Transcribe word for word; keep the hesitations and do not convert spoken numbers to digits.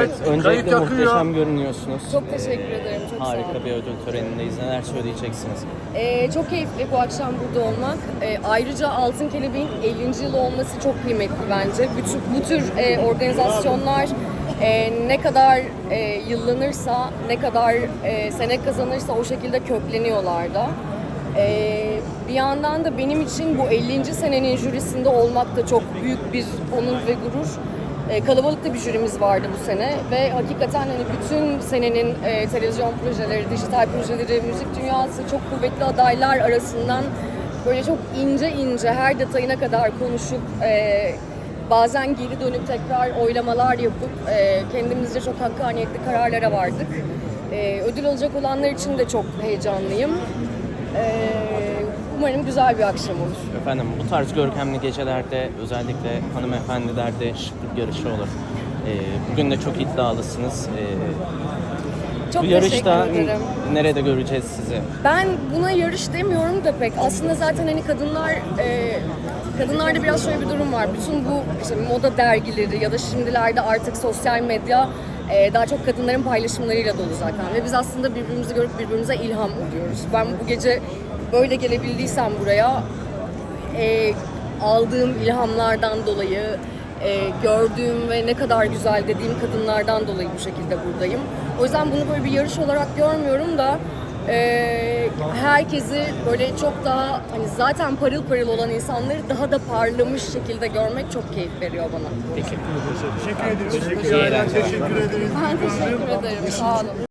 Evet, öncelikle kayıt akıyor. muhteşem görünüyorsunuz. Çok teşekkür ederim. Çok sağ olun. Harika bir ödül törenindeyiz. Neler söyleyeceksiniz? Ee, çok keyifli bu akşam burada olmak. Ee, ayrıca Altın Kelebeğin ellinci yılı olması çok kıymetli bence. Bütün, bu tür e, organizasyonlar e, ne kadar e, yıllanırsa, ne kadar e, sene kazanırsa o şekilde kökleniyorlar da. Ee, bir yandan da benim için bu ellinci senenin jürisinde olmak da çok büyük bir onur ve gurur. Ee, kalabalık da bir jürimiz vardı bu sene ve hakikaten hani bütün senenin e, televizyon projeleri, dijital projeleri, müzik dünyası çok kuvvetli adaylar arasından böyle çok ince ince her detayına kadar konuşup e, bazen geri dönüp tekrar oylamalar yapıp e, kendimizce çok hakkaniyetli kararlara vardık. E, ödül alacak olanlar için de çok heyecanlıyım. E, umarım güzel bir akşam olur. Efendim bu tarz görkemli gecelerde özellikle hanımefendilerde şıklık yarışı olur. Ee, bugün de çok iddialısınız. Ee, Çok bu yarışta teşekkür ederim. n- nerede göreceğiz sizi? Ben buna yarış demiyorum da pek. Aslında zaten hani kadınlar, e, kadınlarda biraz şöyle bir durum var. Bütün bu işte moda dergileri ya da şimdilerde artık sosyal medya e, daha çok kadınların paylaşımlarıyla dolu zaten. Ve biz aslında birbirimizi görüp birbirimize ilham oluyoruz. Ben bu gece böyle gelebildiysem buraya e, aldığım ilhamlardan dolayı, e, gördüğüm ve ne kadar güzel dediğim kadınlardan dolayı bu şekilde buradayım. O yüzden bunu böyle bir yarış olarak görmüyorum da e, herkesi böyle çok daha hani zaten parıl parıl olan insanları daha da parlamış şekilde görmek çok keyif veriyor bana. Peki. Teşekkür ederim. İyi eğlenceler. Teşekkür ederim. Ben teşekkür ederim. Sağ olun.